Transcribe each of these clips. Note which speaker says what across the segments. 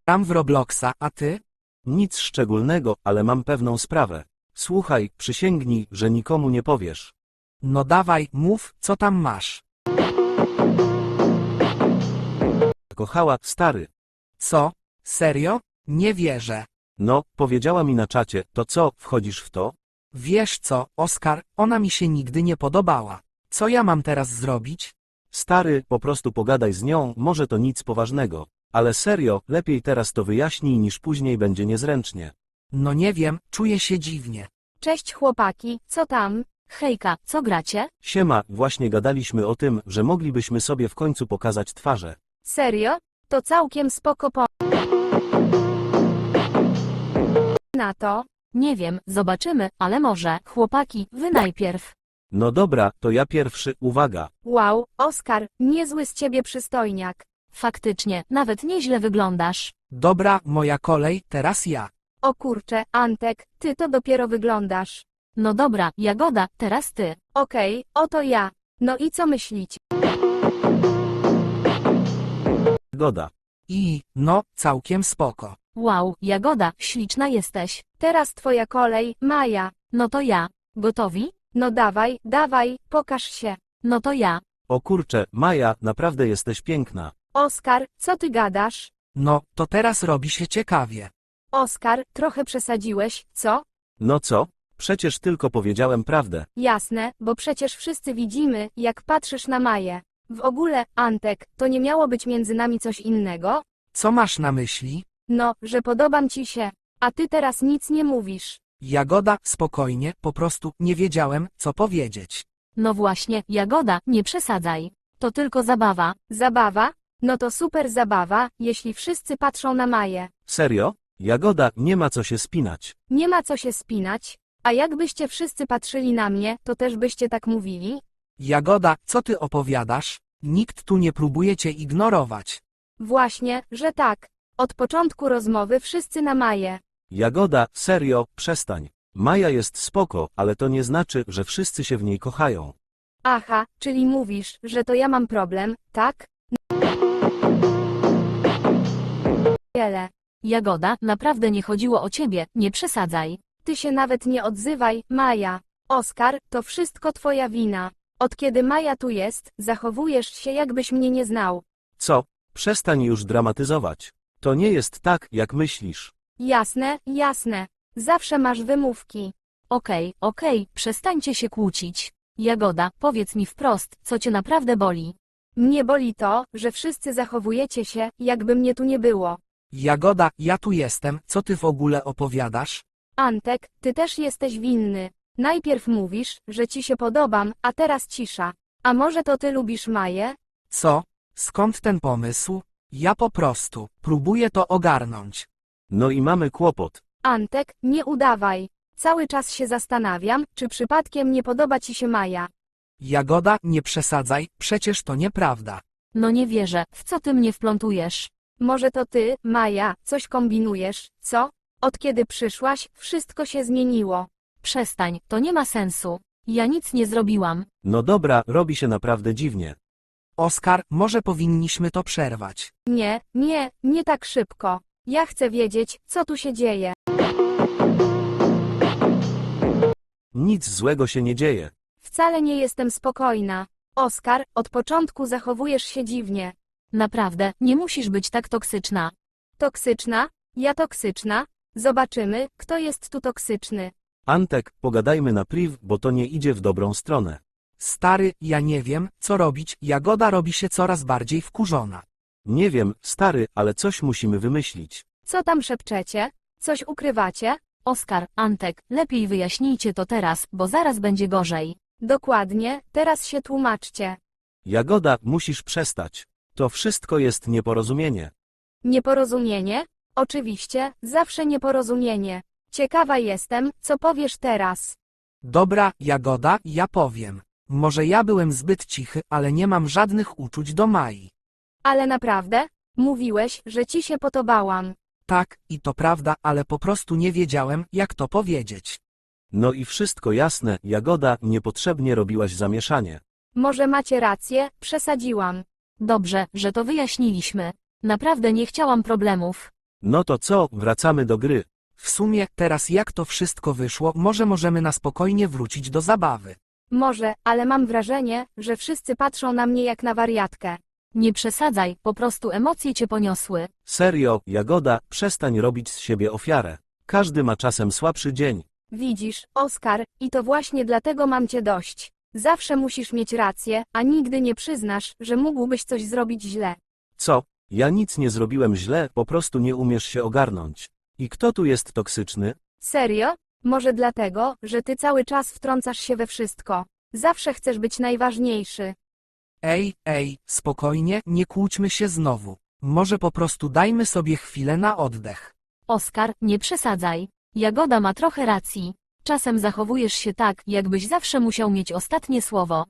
Speaker 1: Gram w Robloxa, a ty?
Speaker 2: Nic szczególnego, ale mam pewną sprawę. Słuchaj, przysięgnij, że nikomu nie powiesz.
Speaker 1: No dawaj, mów, co tam masz.
Speaker 2: Kochała, stary.
Speaker 1: Co? Serio? Nie wierzę.
Speaker 2: No, powiedziała mi na czacie, to co, wchodzisz w to?
Speaker 1: Wiesz co, Oskar, ona mi się nigdy nie podobała. Co ja mam teraz zrobić?
Speaker 2: Stary, po prostu pogadaj z nią, może to nic poważnego. Ale serio, lepiej teraz to wyjaśnij niż później będzie niezręcznie.
Speaker 1: No nie wiem, czuję się dziwnie.
Speaker 3: Cześć chłopaki, co tam? Hejka, co gracie?
Speaker 2: Siema, właśnie gadaliśmy o tym, że moglibyśmy sobie w końcu pokazać twarze.
Speaker 3: Serio? To całkiem spoko na to? Nie wiem, zobaczymy, ale może, chłopaki, wy najpierw.
Speaker 2: No dobra, to ja pierwszy, uwaga.
Speaker 3: Wow, Oskar, niezły z ciebie przystojniak. Faktycznie, nawet nieźle wyglądasz.
Speaker 1: Dobra, moja kolej, teraz ja.
Speaker 3: O kurcze, Antek, ty to dopiero wyglądasz. No dobra, Jagoda, teraz ty. Okej, oto ja. No i co myślicie?
Speaker 2: Goda.
Speaker 1: No, całkiem spoko.
Speaker 3: Wow, Jagoda, śliczna jesteś. Teraz twoja kolej, Maja. No to ja. Gotowi? No dawaj, dawaj, pokaż się. No to ja.
Speaker 2: O kurcze, Maja, naprawdę jesteś piękna.
Speaker 3: Oskar, co ty gadasz?
Speaker 1: No, to teraz robi się ciekawie.
Speaker 3: Oskar, trochę przesadziłeś, co?
Speaker 2: No co? Przecież tylko powiedziałem prawdę.
Speaker 3: Jasne, bo przecież wszyscy widzimy, jak patrzysz na Maję. W ogóle, Antek, to nie miało być między nami coś innego?
Speaker 1: Co masz na myśli?
Speaker 3: No, że podobam ci się. A ty teraz nic nie mówisz.
Speaker 1: Jagoda, spokojnie, po prostu nie wiedziałem, co powiedzieć.
Speaker 3: No właśnie, Jagoda, nie przesadzaj. To tylko zabawa. Zabawa? No to super zabawa, jeśli wszyscy patrzą na Maję.
Speaker 2: Serio? Jagoda, nie ma co się spinać.
Speaker 3: Nie ma co się spinać. A jakbyście wszyscy patrzyli na mnie, to też byście tak mówili?
Speaker 1: Jagoda, co ty opowiadasz? Nikt tu nie próbuje cię ignorować.
Speaker 3: Właśnie, że tak. Od początku rozmowy wszyscy na Maję.
Speaker 2: Jagoda, serio, przestań. Maja jest spoko, ale to nie znaczy, że wszyscy się w niej kochają.
Speaker 3: Aha, czyli mówisz, że to ja mam problem, tak? Wiele. Jagoda, naprawdę nie chodziło o ciebie, nie przesadzaj. Ty się nawet nie odzywaj, Maja. Oskar, to wszystko twoja wina. Od kiedy Maja tu jest, zachowujesz się jakbyś mnie nie znał.
Speaker 2: Co? Przestań już dramatyzować. To nie jest tak, jak myślisz.
Speaker 3: Jasne, jasne. Zawsze masz wymówki. Okej, przestańcie się kłócić. Jagoda, powiedz mi wprost, co cię naprawdę boli. Mnie boli to, że wszyscy zachowujecie się, jakby mnie tu nie było.
Speaker 1: Jagoda, ja tu jestem, co ty w ogóle opowiadasz?
Speaker 3: Antek, ty też jesteś winny. Najpierw mówisz, że ci się podobam, a teraz cisza. A może to ty lubisz Maję?
Speaker 1: Co? Skąd ten pomysł? Ja po prostu próbuję to ogarnąć.
Speaker 2: No i mamy kłopot.
Speaker 3: Antek, nie udawaj. Cały czas się zastanawiam, czy przypadkiem nie podoba ci się Maja.
Speaker 1: Jagoda, nie przesadzaj, przecież to nieprawda.
Speaker 3: No nie wierzę, w co ty mnie wplątujesz? Może to ty, Maja, coś kombinujesz, co? Od kiedy przyszłaś, wszystko się zmieniło. Przestań, to nie ma sensu. Ja nic nie zrobiłam.
Speaker 2: No dobra, robi się naprawdę dziwnie.
Speaker 1: Oskar, może powinniśmy to przerwać.
Speaker 3: Nie tak szybko. Ja chcę wiedzieć, co tu się dzieje.
Speaker 2: Nic złego się nie dzieje.
Speaker 3: Wcale nie jestem spokojna. Oskar, od początku zachowujesz się dziwnie. Naprawdę, nie musisz być tak toksyczna. Toksyczna? Ja toksyczna? Zobaczymy, kto jest tu toksyczny.
Speaker 2: Antek, pogadajmy na priv, bo to nie idzie w dobrą stronę.
Speaker 1: Stary, ja nie wiem, co robić, Jagoda robi się coraz bardziej wkurzona.
Speaker 2: Nie wiem, stary, ale coś musimy wymyślić.
Speaker 3: Co tam szepczecie? Coś ukrywacie? Oskar, Antek, lepiej wyjaśnijcie to teraz, bo zaraz będzie gorzej. Dokładnie, teraz się tłumaczcie.
Speaker 2: Jagoda, musisz przestać. To wszystko jest nieporozumienie.
Speaker 3: Nieporozumienie? Oczywiście, zawsze nieporozumienie. Ciekawa jestem, co powiesz teraz.
Speaker 1: Dobra, Jagoda, ja powiem. Może ja byłem zbyt cichy, ale nie mam żadnych uczuć do Mai.
Speaker 3: Ale naprawdę? Mówiłeś, że ci się podobałam.
Speaker 1: Tak, i to prawda, ale po prostu nie wiedziałem, jak to powiedzieć.
Speaker 2: No i wszystko jasne, Jagoda, niepotrzebnie robiłaś zamieszanie.
Speaker 3: Może macie rację, przesadziłam. Dobrze, że to wyjaśniliśmy. Naprawdę nie chciałam problemów.
Speaker 2: No to co, wracamy do gry.
Speaker 1: W sumie, teraz jak to wszystko wyszło, może możemy na spokojnie wrócić do zabawy.
Speaker 3: Może, ale mam wrażenie, że wszyscy patrzą na mnie jak na wariatkę. Nie przesadzaj, po prostu emocje cię poniosły.
Speaker 2: Serio, Jagoda, przestań robić z siebie ofiarę. Każdy ma czasem słabszy dzień.
Speaker 3: Widzisz, Oskar, i to właśnie dlatego mam cię dość. Zawsze musisz mieć rację, a nigdy nie przyznasz, że mógłbyś coś zrobić źle.
Speaker 2: Co? Ja nic nie zrobiłem źle, po prostu nie umiesz się ogarnąć. I kto tu jest toksyczny?
Speaker 3: Serio? Może dlatego, że ty cały czas wtrącasz się we wszystko. Zawsze chcesz być najważniejszy.
Speaker 1: Ej, spokojnie, nie kłóćmy się znowu. Może po prostu dajmy sobie chwilę na oddech.
Speaker 3: Oskar, nie przesadzaj. Jagoda ma trochę racji. Czasem zachowujesz się tak, jakbyś zawsze musiał mieć ostatnie słowo.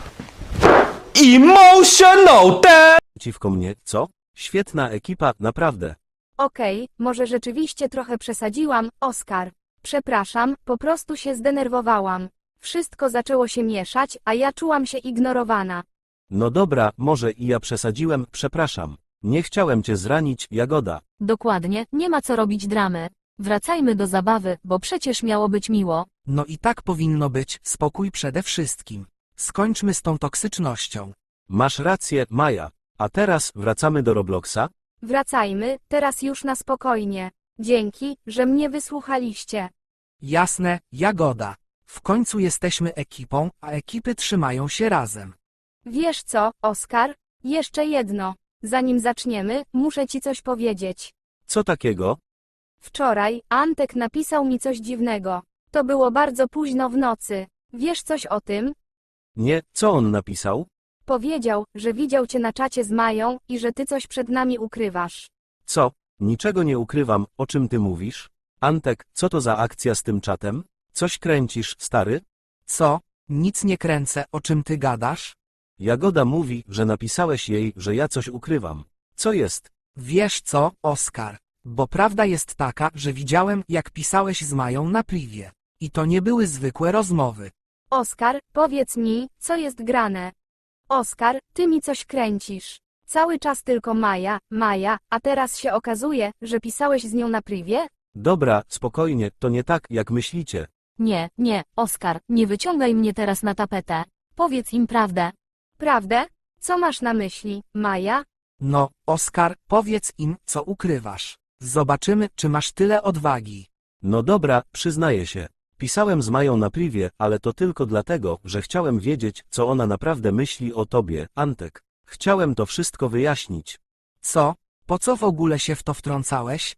Speaker 4: Emotional damage!
Speaker 2: Przeciwko mnie, co? Świetna ekipa, naprawdę.
Speaker 3: Okej, może rzeczywiście trochę przesadziłam, Oskar. Przepraszam, po prostu się zdenerwowałam. Wszystko zaczęło się mieszać, a ja czułam się ignorowana.
Speaker 2: No dobra, może i ja przesadziłem, przepraszam. Nie chciałem cię zranić, Jagoda.
Speaker 3: Dokładnie, nie ma co robić dramy. Wracajmy do zabawy, bo przecież miało być miło.
Speaker 1: No i tak powinno być, spokój przede wszystkim. Skończmy z tą toksycznością.
Speaker 2: Masz rację, Maja. A teraz wracamy do Robloxa?
Speaker 3: Wracajmy, teraz już na spokojnie. Dzięki, że mnie wysłuchaliście.
Speaker 1: Jasne, Jagoda. W końcu jesteśmy ekipą, a ekipy trzymają się razem.
Speaker 3: Wiesz co, Oskar? Jeszcze jedno. Zanim zaczniemy, muszę ci coś powiedzieć.
Speaker 2: Co takiego?
Speaker 3: Wczoraj Antek napisał mi coś dziwnego. To było bardzo późno w nocy. Wiesz coś o tym?
Speaker 2: Nie, co on napisał?
Speaker 3: Powiedział, że widział cię na czacie z Mają i że ty coś przed nami ukrywasz.
Speaker 2: Co? Niczego nie ukrywam, o czym ty mówisz? Antek, co to za akcja z tym czatem? Coś kręcisz, stary?
Speaker 1: Co? Nic nie kręcę, o czym ty gadasz?
Speaker 2: Jagoda mówi, że napisałeś jej, że ja coś ukrywam. Co jest?
Speaker 1: Wiesz co, Oskar? Bo prawda jest taka, że widziałem, jak pisałeś z Mają na privie. I to nie były zwykłe rozmowy.
Speaker 3: Oskar, powiedz mi, co jest grane. Oskar, ty mi coś kręcisz. Cały czas tylko Maja, a teraz się okazuje, że pisałeś z nią na privie?
Speaker 2: Dobra, spokojnie, to nie tak, jak myślicie.
Speaker 3: Nie, Oskar, nie wyciągaj mnie teraz na tapetę. Powiedz im prawdę. Prawdę? Co masz na myśli, Maja?
Speaker 1: No, Oskar, powiedz im, co ukrywasz. Zobaczymy, czy masz tyle odwagi.
Speaker 2: No dobra, przyznaję się. Pisałem z Mają na privie, ale to tylko dlatego, że chciałem wiedzieć, co ona naprawdę myśli o tobie, Antek. Chciałem to wszystko wyjaśnić.
Speaker 1: Co? Po co w ogóle się w to wtrącałeś?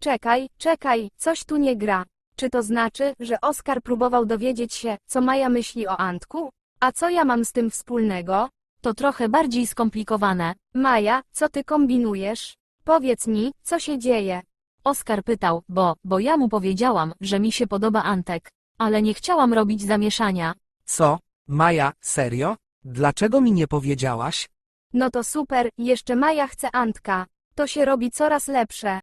Speaker 3: Czekaj, coś tu nie gra. Czy to znaczy, że Oskar próbował dowiedzieć się, co Maja myśli o Antku? A co ja mam z tym wspólnego? To trochę bardziej skomplikowane. Maja, co ty kombinujesz? Powiedz mi, co się dzieje? Oskar pytał, bo ja mu powiedziałam, że mi się podoba Antek. Ale nie chciałam robić zamieszania.
Speaker 1: Co? Maja, serio? Dlaczego mi nie powiedziałaś?
Speaker 3: No to super, jeszcze Maja chce Antka. To się robi coraz lepsze.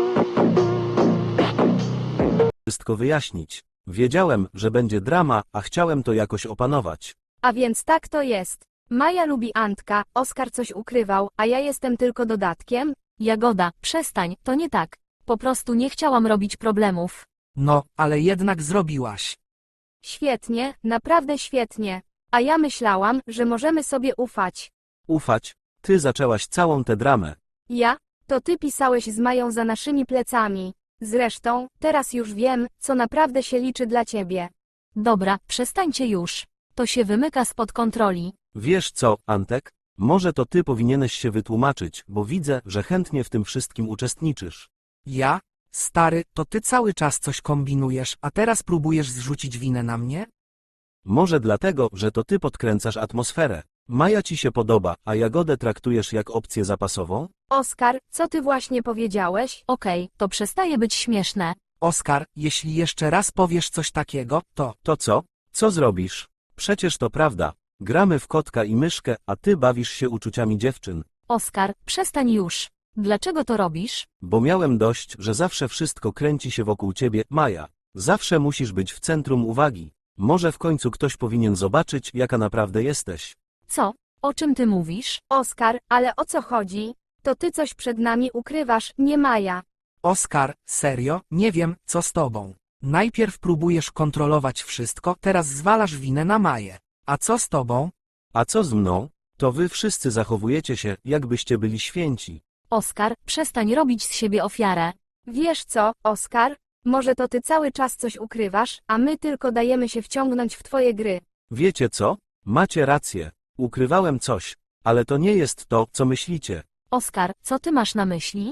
Speaker 2: Wszystko wyjaśnić. Wiedziałem, że będzie drama, a chciałem to jakoś opanować.
Speaker 3: A więc tak to jest. Maja lubi Antka, Oskar coś ukrywał, a ja jestem tylko dodatkiem? Jagoda, przestań, to nie tak. Po prostu nie chciałam robić problemów.
Speaker 1: No, ale jednak zrobiłaś.
Speaker 3: Świetnie, naprawdę świetnie. A ja myślałam, że możemy sobie ufać.
Speaker 2: Ufać? Ty zaczęłaś całą tę dramę.
Speaker 3: Ja? To ty pisałeś z Mają za naszymi plecami. Zresztą, teraz już wiem, co naprawdę się liczy dla ciebie. Dobra, przestańcie już. To się wymyka spod kontroli.
Speaker 2: Wiesz co, Antek? Może to ty powinieneś się wytłumaczyć, bo widzę, że chętnie w tym wszystkim uczestniczysz.
Speaker 1: Ja? Stary, to ty cały czas coś kombinujesz, a teraz próbujesz zrzucić winę na mnie?
Speaker 2: Może dlatego, że to ty podkręcasz atmosferę. Maja ci się podoba, a Jagodę traktujesz jak opcję zapasową?
Speaker 3: Oskar, co ty właśnie powiedziałeś? Okej, to przestaje być śmieszne.
Speaker 1: Oskar, jeśli jeszcze raz powiesz coś takiego, to...
Speaker 2: To co? Co zrobisz? Przecież to prawda. Gramy w kotka i myszkę, a ty bawisz się uczuciami dziewczyn.
Speaker 3: Oskar, przestań już. Dlaczego to robisz?
Speaker 2: Bo miałem dość, że zawsze wszystko kręci się wokół ciebie, Maja. Zawsze musisz być w centrum uwagi. Może w końcu ktoś powinien zobaczyć, jaka naprawdę jesteś.
Speaker 3: Co? O czym ty mówisz? Oskar, ale o co chodzi? To ty coś przed nami ukrywasz, nie Maja.
Speaker 1: Oskar, serio, nie wiem, co z tobą. Najpierw próbujesz kontrolować wszystko, teraz zwalasz winę na Maję. A co z tobą?
Speaker 2: A co z mną? To wy wszyscy zachowujecie się, jakbyście byli święci.
Speaker 3: Oskar, przestań robić z siebie ofiarę.
Speaker 5: Wiesz co, Oskar? Może to ty cały czas coś ukrywasz, a my tylko dajemy się wciągnąć w twoje gry.
Speaker 2: Wiecie co? Macie rację. Ukrywałem coś. Ale to nie jest to, co myślicie.
Speaker 3: Oskar, co ty masz na myśli?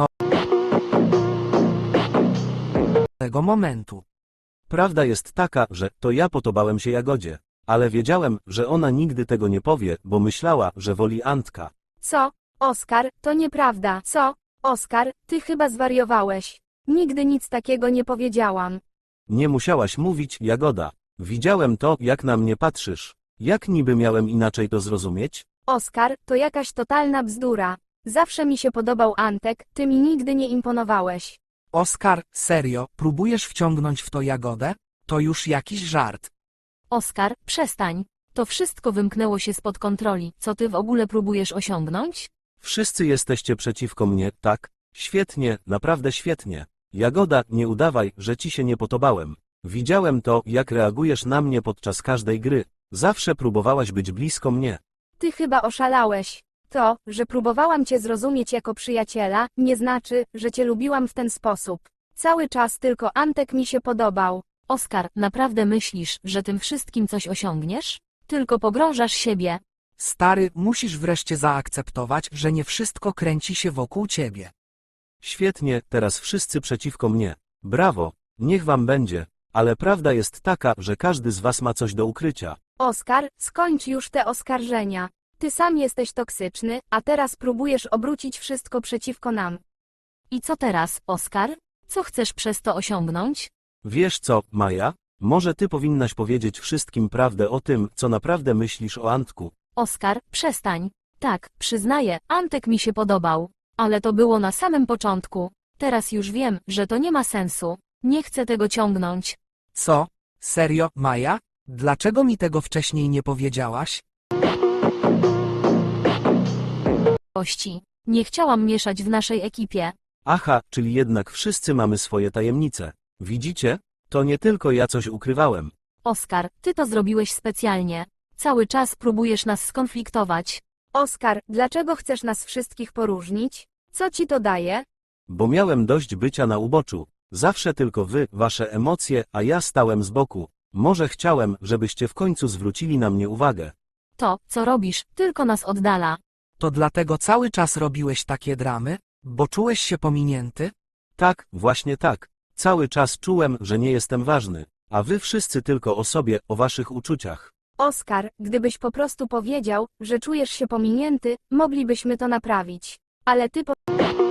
Speaker 1: Tego momentu.
Speaker 2: Prawda jest taka, że to ja podobałem się Jagodzie. Ale wiedziałem, że ona nigdy tego nie powie, bo myślała, że woli Antka.
Speaker 5: Co? Oskar, to nieprawda. Co? Oskar, ty chyba zwariowałeś. Nigdy nic takiego nie powiedziałam.
Speaker 2: Nie musiałaś mówić, Jagoda. Widziałem to, jak na mnie patrzysz. Jak niby miałem inaczej to zrozumieć?
Speaker 5: Oskar, to jakaś totalna bzdura. Zawsze mi się podobał Antek, ty mi nigdy nie imponowałeś.
Speaker 1: Oskar, serio, próbujesz wciągnąć w to Jagodę? To już jakiś żart.
Speaker 3: Oskar, przestań. To wszystko wymknęło się spod kontroli. Co ty w ogóle próbujesz osiągnąć?
Speaker 2: Wszyscy jesteście przeciwko mnie, tak? Świetnie, naprawdę świetnie. Jagoda, nie udawaj, że ci się nie podobałem. Widziałem to, jak reagujesz na mnie podczas każdej gry. Zawsze próbowałaś być blisko mnie.
Speaker 5: Ty chyba oszalałeś. To, że próbowałam cię zrozumieć jako przyjaciela, nie znaczy, że cię lubiłam w ten sposób. Cały czas tylko Antek mi się podobał.
Speaker 3: Oskar, naprawdę myślisz, że tym wszystkim coś osiągniesz? Tylko pogrążasz siebie.
Speaker 1: Stary, musisz wreszcie zaakceptować, że nie wszystko kręci się wokół ciebie.
Speaker 2: Świetnie, teraz wszyscy przeciwko mnie. Brawo, niech wam będzie. Ale prawda jest taka, że każdy z was ma coś do ukrycia.
Speaker 5: Oskar, skończ już te oskarżenia. Ty sam jesteś toksyczny, a teraz próbujesz obrócić wszystko przeciwko nam.
Speaker 3: I co teraz, Oskar? Co chcesz przez to osiągnąć?
Speaker 2: Wiesz co, Maja? Może ty powinnaś powiedzieć wszystkim prawdę o tym, co naprawdę myślisz o Antku.
Speaker 3: Oskar, przestań. Tak, przyznaję, Antek mi się podobał. Ale to było na samym początku. Teraz już wiem, że to nie ma sensu. Nie chcę tego ciągnąć.
Speaker 1: Co? Serio, Maja? Dlaczego mi tego wcześniej nie powiedziałaś?
Speaker 3: Gości. Nie chciałam mieszać w naszej ekipie.
Speaker 2: Aha, czyli jednak wszyscy mamy swoje tajemnice. Widzicie? To nie tylko ja coś ukrywałem.
Speaker 3: Oskar, ty to zrobiłeś specjalnie. Cały czas próbujesz nas skonfliktować.
Speaker 5: Oskar, dlaczego chcesz nas wszystkich poróżnić? Co ci to daje?
Speaker 2: Bo miałem dość bycia na uboczu. Zawsze tylko wy, wasze emocje, a ja stałem z boku. Może chciałem, żebyście w końcu zwrócili na mnie uwagę.
Speaker 3: To, co robisz, tylko nas oddala.
Speaker 1: To dlatego cały czas robiłeś takie dramy? Bo czułeś się pominięty?
Speaker 2: Tak, właśnie tak. Cały czas czułem, że nie jestem ważny. A wy wszyscy tylko o sobie, o waszych uczuciach.
Speaker 5: Oskar, gdybyś po prostu powiedział, że czujesz się pominięty, moglibyśmy to naprawić. Ale ty